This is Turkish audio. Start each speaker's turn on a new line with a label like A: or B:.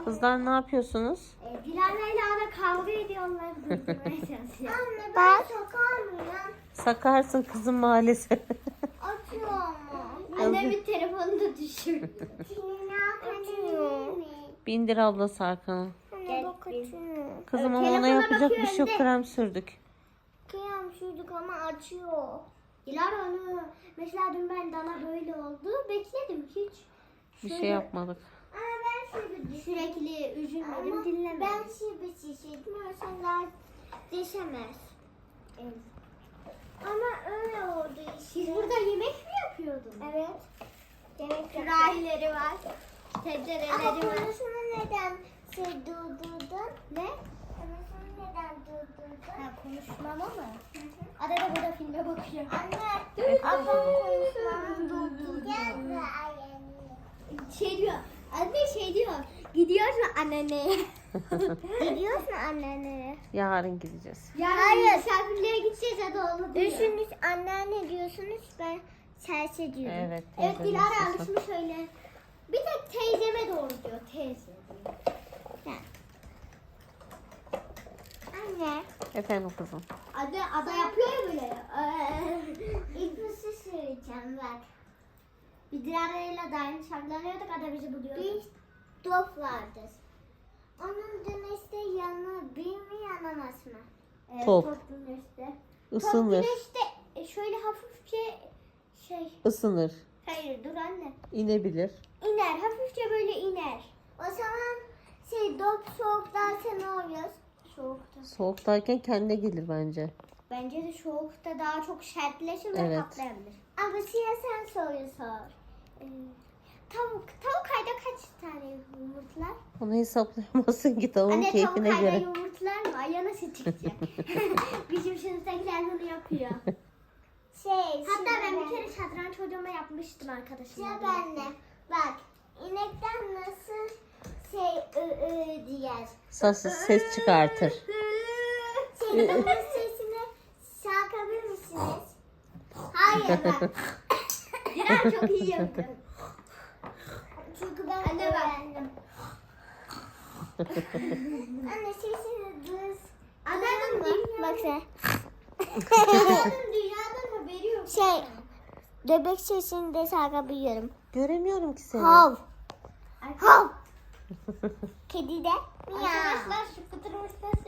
A: Kızlar ne yapıyorsunuz?
B: Dilara'yla ara kavga ediyorlar. Durdurmaya çalışıyor.
C: Anne ben sokamıyorum.
A: Sakarsın kızım maalesef.
C: Atıyor ama.
B: Annemin telefonunu düşürdü.
C: Atıyor.
A: Bindir ablası arkana.
C: Anne bak atıyor.
A: Kızım ama
B: telefona
A: ona yapacak bir
B: bakıyor
A: şey yok.
B: hem de.
A: Krem sürdük.
C: Kıyam sürdük ama açıyor.
B: Dilara onu mesela dün ben Dana böyle oldu. Bekledim hiç.
A: Bir
B: Şöyle
A: şey yapmadık.
C: Ama ben sürdüm.
B: Sürekli üzülmedim,
C: Ama
B: dinlemedim.
C: ben şibi şişirdim. Sen daha deşemez.
B: Evet.
C: Ama öyle oldu
B: Siz
C: işte.
B: burada yemek mi yapıyordunuz?
C: Evet. Demek ki.
B: Sürahileri var.
C: Ama
B: Tencereleri var.
C: konusunu neden durdurdun?
B: Ne?
C: Konusunu neden durdurdun?
B: Ha, konuşmama mı? Ada da burada filme bakıyor.
C: Anne. Ablam konuşmamı durdurdu. Gel
B: Şey diyor. Anne şey diyor. Gidiyorsun annene.
C: Gidiyorsun annene.
A: Yarın gideceğiz.
B: Yarın
C: Hayır.
B: misafirliğe gideceğiz hadi onu diyor.
C: Üçünüz anneanne diyorsunuz, ben serse diyorum.
A: Evet.
B: Evet
A: teyzenin
B: Dilara
A: sesi.
B: alışmış öyle. Bir tek teyzeme doğru diyor. Teyze diyor.
C: Anne.
A: Efendim kızım.
B: Ada yapıyor ya böyle.
C: İlk bir şey söyleyeceğim bak.
B: Bir Dilara'yla da aynı şarkılanıyorduk. Ada bizi buluyor.
C: Bir top vardır. Onun güneşte yanı bir mi yanamaz mı?
A: Top.
B: Top güneşte.
A: Isınır.
B: Top güneşte şöyle hafifçe şey.
A: Isınır.
B: Hayır dur anne.
A: İnebilir.
B: İner. Hafifçe böyle iner.
C: O zaman top soğuklarsa ne oluyor?
B: Soğukta.
A: Soğuktayken kendine gelir bence.
B: Bence de soğukta daha çok sertleşir ve
A: Evet.
B: patlayabilir.
C: Ama Şiya sen soruyu sor.
B: Tavuk ayda kaç tane yumurtlar?
A: Onu hesaplayamazsın ki tavuğun
B: Anne tavuk
A: keyfine
B: ayda
A: göre.
B: yumurtlar mı? Ay nasıl çıkacak? Bizim sınıftakiler bunu yapıyor. Hatta ben bir kere şatranç hocama yapmıştım arkadaşımla.
C: Sıra bende. Bak inekten nasıl diyer.
A: Ses çıkartır.
C: Bunun sesini şarkabilir misiniz? Hayır bak.
B: Diren çok iyi yapıyor.
C: Çünkü ben
B: Anne bak.
C: öğrendim. Anne sesini duyuz.
B: Anneannem
C: Bak sen.
B: dünyadan haberi yok.
C: Bebek sesini de şarkabiliyorum.
A: Göremiyorum ki seni.
C: Hav. Hav. Kedi de. Miyav.
B: Arkadaşlar şu fıtırmışlar